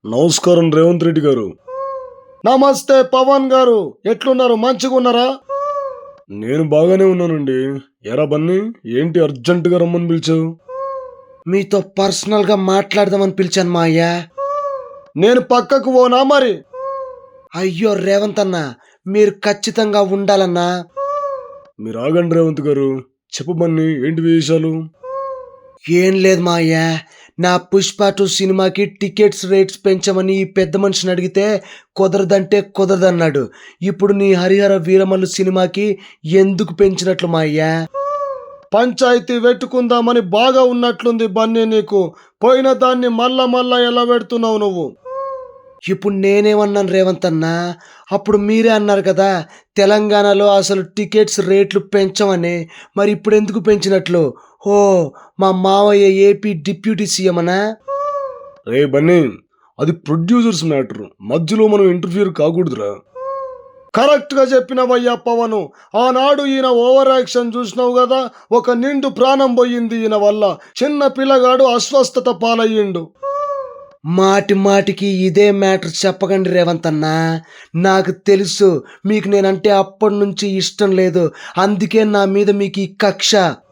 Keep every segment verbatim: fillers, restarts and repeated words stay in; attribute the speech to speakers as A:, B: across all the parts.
A: నమస్కారం రేవంత్ రెడ్డి గారు.
B: నమస్తే పవన్ గారు, ఎట్లున్నారు? మంచిగా ఉన్నారా?
A: నేను బాగానే ఉన్నానండి. ఎరా బన్నీ, ఏంటి అర్జెంటుగా రమ్మని పిలిచావు?
B: మీతో పర్సనల్ గా మాట్లాడదామని పిలిచాను మా అయ్యా. నేను పక్కకు పోనా మరి? అయ్యో రేవంత్ అన్న, మీరు ఖచ్చితంగా ఉండాలన్నా.
A: మీరు ఆగండి రేవంత్ గారు, చెప్పు బన్నీ, ఏంటి విషయాలు?
B: ఏం లేదు మా అయ్యా, నా పుష్ప టూ సినిమాకి టికెట్స్ రేట్స్ పెంచమని ఈ పెద్ద మనిషిని అడిగితే కుదరదంటే కుదరదన్నాడు. ఇప్పుడు నీ హరిహర వీరమల్లు సినిమాకి ఎందుకు పెంచినట్లు మా అయ్యా? పంచాయతీ పెట్టుకుందామని బాగా ఉన్నట్లుంది బన్నీ నీకు. పోయిన దాన్ని మళ్ళా మళ్ళా ఎలా పెడుతున్నావు నువ్వు? ఇప్పుడు నేనేమన్నాను రేవంత్ అన్న? అప్పుడు మీరే అన్నారు కదా తెలంగాణలో అసలు టికెట్స్ రేట్లు పెంచమని. మరి ఇప్పుడు ఎందుకు పెంచినట్లు? ఓ, మా మావయ్య ఏపీ డిప్యూటీ సీఎం అనా?
A: రే బన్నీ, అది ప్రొడ్యూసర్స్ మ్యాటర్, మధ్యలో మనం ఇంటర్ఫియర్ కాకూడదురా.
B: కరెక్ట్ గా చెప్పినవయ్యా పవను. ఆనాడు ఈయన ఓవర్ యాక్షన్ చూసినావు కదా, ఒక నిండు ప్రాణం పోయింది ఈయన వల్ల. చిన్న పిల్లగాడు అస్వస్థత పాలయ్యిండు. మాటి మాటికి ఇదే మ్యాటర్ చెప్పకండి రేవంత్ అన్న. నాకు తెలుసు మీకు నేనంటే అప్పటి నుంచి ఇష్టం లేదు, అందుకే నా మీద మీకు ఈ కక్ష.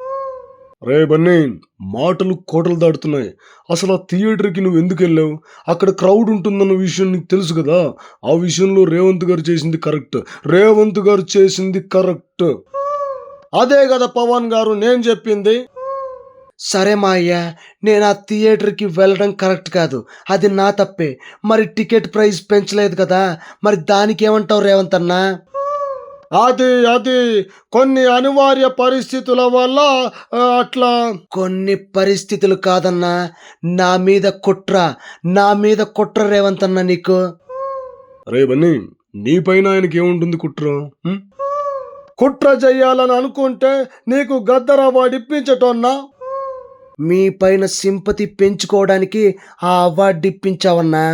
A: రే బన్నీ, మాటలు కోటలు దాటుతున్నాయి. అసలు ఆ థియేటర్కి నువ్వు ఎందుకు వెళ్ళావు? అక్కడ క్రౌడ్ ఉంటుందన్న విషయం నీకు తెలుసు కదా. ఆ విషయంలో రేవంత్ గారు చేసింది కరెక్ట్. రేవంత్ గారు చేసింది కరెక్ట్.
B: అదే కదా పవన్ గారు నేను చెప్పింది. సరే మా అయ్యా, నేను ఆ థియేటర్కి వెళ్ళడం కరెక్ట్ కాదు, అది నా తప్పే. మరి టికెట్ ప్రైస్ పెంచలేదు కదా, మరి దానికి ఏమంటావు రేవంత్ అన్న? అది అది కొన్ని అనివార్య పరిస్థితుల వల్ల అట్లా. కొన్ని పరిస్థితులు కాదన్నా, నా మీద కుట్ర, నా మీద కుట్ర రేవంత్ అన్న నీకు.
A: రే బన్నీ, నీ పైన ఆయనకి ఏముంటుంది కుట్ర? హ్మ్?
B: కుట్ర చెయ్యాలని అనుకుంటే నీకు గద్దర అవార్డు ఇప్పించటోన్నా. మీ పైన సింపతి పెంచుకోవడానికి ఆ అవార్డు ఇప్పించావన్నా.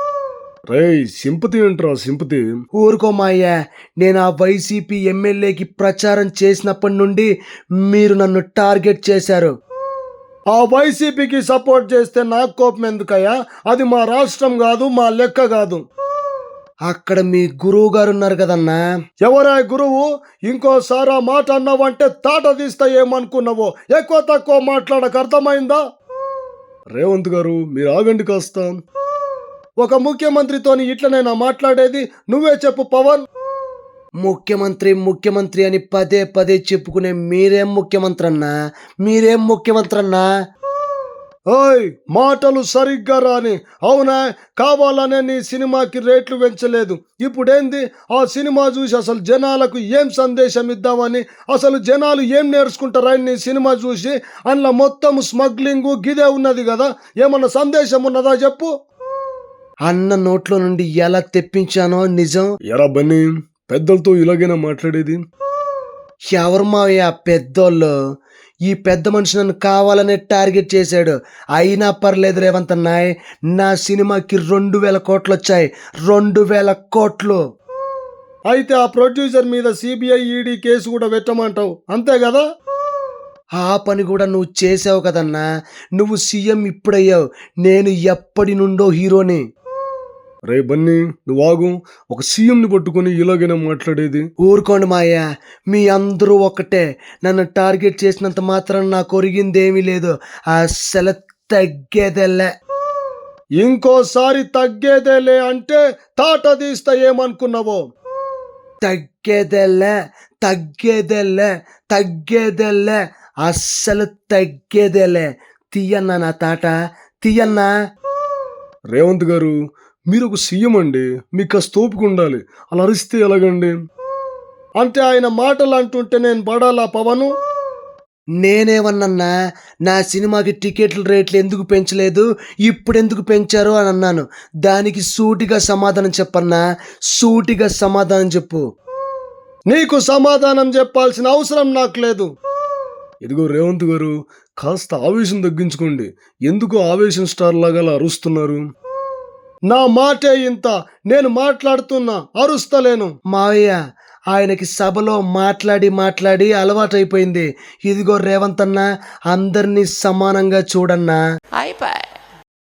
A: రే సింపతి ఏంట్రా సింపతి?
B: ఊరుకో మాయ్యా, నేను ఆ వైసీపీ ఎమ్మెల్యేకి ప్రచారం చేసినప్పటి నుండి మీరు నన్ను టార్గెట్ చేశారు. ఆ వైసీపీకి సపోర్ట్ చేస్తే నాకు కోపం ఎందుకయ్యా? అది మా రాష్ట్రం కాదు, మా లెక్క కాదు. అక్కడ మీ గురువు గారు ఉన్నారు కదన్నా. ఎవరా గురువు? ఇంకోసారి ఆ మాట అన్నావంటే తాట తీస్తా ఏమనుకున్నావో. ఎక్కువ తక్కువ మాట్లాడక, అర్థమైందా?
A: రేవంత్ గారు, మీరు ఆగండి కాస్త.
B: ఒక ముఖ్యమంత్రితోని ఇట్లనైనా మాట్లాడేది? నువ్వే చెప్పు పవన్. ముఖ్యమంత్రి ముఖ్యమంత్రి అని పదే పదే చెప్పుకునే మీరేం ముఖ్యమంత్రి అన్నా? మీరేం ముఖ్యమంత్రి అన్నా? ఓయ్, మాటలు సరిగ్గా రాని. అవునా, కావాలనే నీ సినిమాకి రేట్లు పెంచలేదు. ఇప్పుడేంది? ఆ సినిమా చూసి అసలు జనాలకు ఏం సందేశం ఇద్దామని, అసలు జనాలు ఏం నేర్చుకుంటారా నీ సినిమా చూసి? అందులో మొత్తం స్మగ్లింగు గిదే ఉన్నది కదా, ఏమన్నా సందేశం ఉన్నదా చెప్పు? అన్న నోట్లో నుండి ఎలా తెప్పించానో నిజం.
A: ఎరా బన్నీ, పెద్దలతో ఇలాగైనా మాట్లాడేది?
B: ఎవరు మావయ్య పెద్దోళ్ళు? ఈ పెద్ద మనిషి నన్ను కావాలనే టార్గెట్ చేశాడు. అయినా పర్లేదు రేవంత్ అన్నాయ్, నా సినిమాకి రెండు వేల కోట్లు వచ్చాయి. రెండు వేల కోట్లు. అయితే ఆ ప్రొడ్యూసర్ మీద సిబిఐ ఈడీ కేసు కూడా పెట్టమంటావు, అంతే కదా? ఆ పని కూడా నువ్వు చేసావు కదన్నా. నువ్వు సీఎం ఇప్పుడయ్యావు, నేను ఎప్పటి నుండో హీరోని.
A: రే బన్నీ, నువ్వు ఆగు. ఒక సీఎంని పట్టుకొని ఇలాగైనా మాట్లాడేది?
B: ఊరుకోండి మాయ్యా, మీ అందరూ ఒకటే. నన్ను టార్గెట్ చేసినంత మాత్రం నాకు ఒరిగిందేమీ లేదు. అసలు తగ్గేదేలే. ఇంకోసారి తగ్గేదేలే అంటే తాట తీస్తా ఏమనుకున్నావో. తగ్గేదేలే, తగ్గేదేలే, తగ్గేదేలే, అస్సలు తగ్గేదేలే. తీయన్నా నా తాట, తీయన్నా.
A: రేవంత్ గారు, మీరు ఒక సీఎం అండి, మీకు కాస్త ఓపిక ఉండాలి. అలా అరిస్తే ఎలాగండి?
B: అంటే ఆయన మాటలు అంటుంటే నేను పడాలా పవను? నేనేమన్నా నా సినిమాకి టికెట్ల రేట్లు ఎందుకు పెంచలేదు, ఇప్పుడు ఎందుకు పెంచారు అని అన్నాను. దానికి సూటిగా సమాధానం చెప్పన్నా, సూటిగా సమాధానం చెప్పు. నీకు సమాధానం చెప్పాల్సిన అవసరం నాకు లేదు.
A: ఇదిగో రేవంత్ గారు, కాస్త ఆవేశం తగ్గించుకోండి. ఎందుకు ఆవేశం స్టార్ లాగా అలా అరుస్తున్నారు?
B: నా మాటే ఇంత, నేను మాట్లాడుతున్నా, అరుస్తలేను. మావయ్య, ఆయనకి సభలో మాట్లాడి మాట్లాడి అలవాటైపోయింది. ఇదిగో రేవంత్ అన్న, అందరినీ సమానంగా చూడన్నా. అయిపోయి.